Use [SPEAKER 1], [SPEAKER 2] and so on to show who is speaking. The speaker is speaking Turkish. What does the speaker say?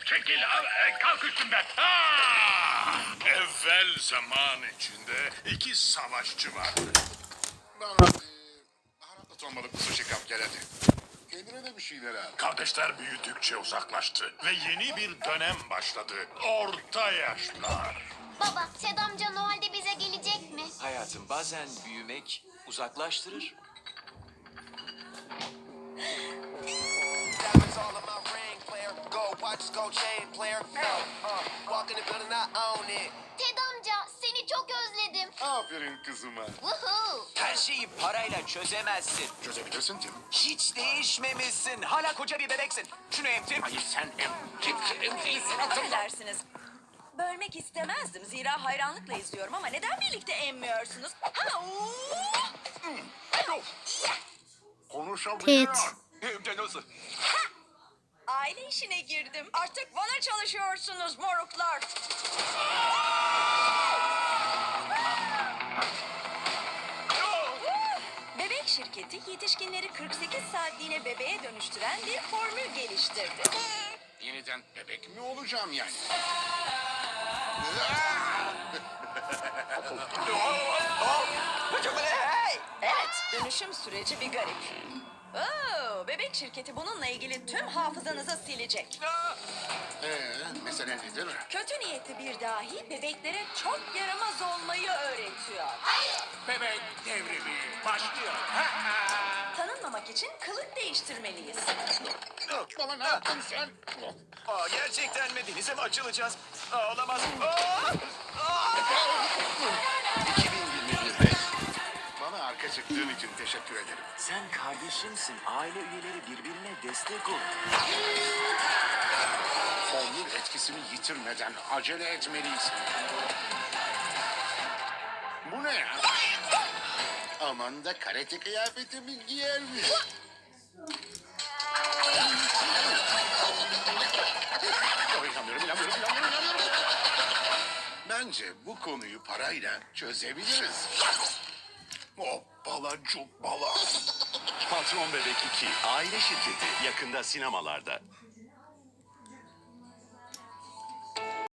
[SPEAKER 1] Çekil, kalk üstümden. Evvel zaman içinde iki savaşçı vardı.
[SPEAKER 2] Bana baharatlı tonmalık bir sushi kap gel hadi. Kendine de bir şeyler al.
[SPEAKER 1] Kardeşler büyüdükçe uzaklaştı ve yeni bir dönem başladı. Orta yaşlar.
[SPEAKER 3] Baba, Ted amca Noel'de bize gelecek mi?
[SPEAKER 4] Hayatım, bazen büyümek uzaklaştırır.
[SPEAKER 5] Diamonds all in my ring, player. Gold watches, gold chain, player. Walk in the building, I own it.
[SPEAKER 3] Ted amca, seni çok özledim.
[SPEAKER 2] Aferin kızıma.
[SPEAKER 3] Woohoo!
[SPEAKER 4] Her şeyi parayla çözemezsin.
[SPEAKER 2] Çözebilirsin Tim.
[SPEAKER 4] Hiç değişmemişsin. Hala koca bir bebeksin. Şunu emtir.
[SPEAKER 1] Hayır sen
[SPEAKER 6] Affedersiniz. Bölmek istemezdim. Zira hayranlıkla izliyorum ama neden birlikte emmiyorsunuz? Ha,
[SPEAKER 2] Konuşabiliyor.
[SPEAKER 7] Pete.
[SPEAKER 4] Hem de nasıl?
[SPEAKER 6] aile işine girdim. Artık bana çalışıyorsunuz moruklar. Bebek şirketi yetişkinleri 48 saatliğine bebeğe dönüştüren bir formül geliştirdi.
[SPEAKER 2] Yeniden bebek mi olacağım yani?
[SPEAKER 6] Evet, dönüşüm süreci bir garip. Oo, bebek şirketi bununla ilgili tüm hafızanızı silecek.
[SPEAKER 2] Mesele nedir?
[SPEAKER 6] Kötü niyetli bir dahi bebeklere çok yaramaz olmayı öğretiyor.
[SPEAKER 1] bebek devrimi başlıyor.
[SPEAKER 6] Tanınmamak için kılık değiştirmeliyiz.
[SPEAKER 2] Baba ne yaptın sen?
[SPEAKER 4] Aa, gerçekten mi? Denize mi açılacağız? Aa, olamaz.
[SPEAKER 2] 2021'de bana arka çıktığın için teşekkür ederim.
[SPEAKER 4] Sen kardeşimsin. Aile üyeleri birbirine destek ol.
[SPEAKER 2] Formül etkisini yitirmeden acele etmeliyiz. Bu ne ya? Aman da karate kıyafetimi giyermiş. İnanmıyorum. Bence bu konuyu parayla çözebiliriz. Hoppala cubbala.
[SPEAKER 8] Patron Bebek 2 aile şirketi yakında sinemalarda.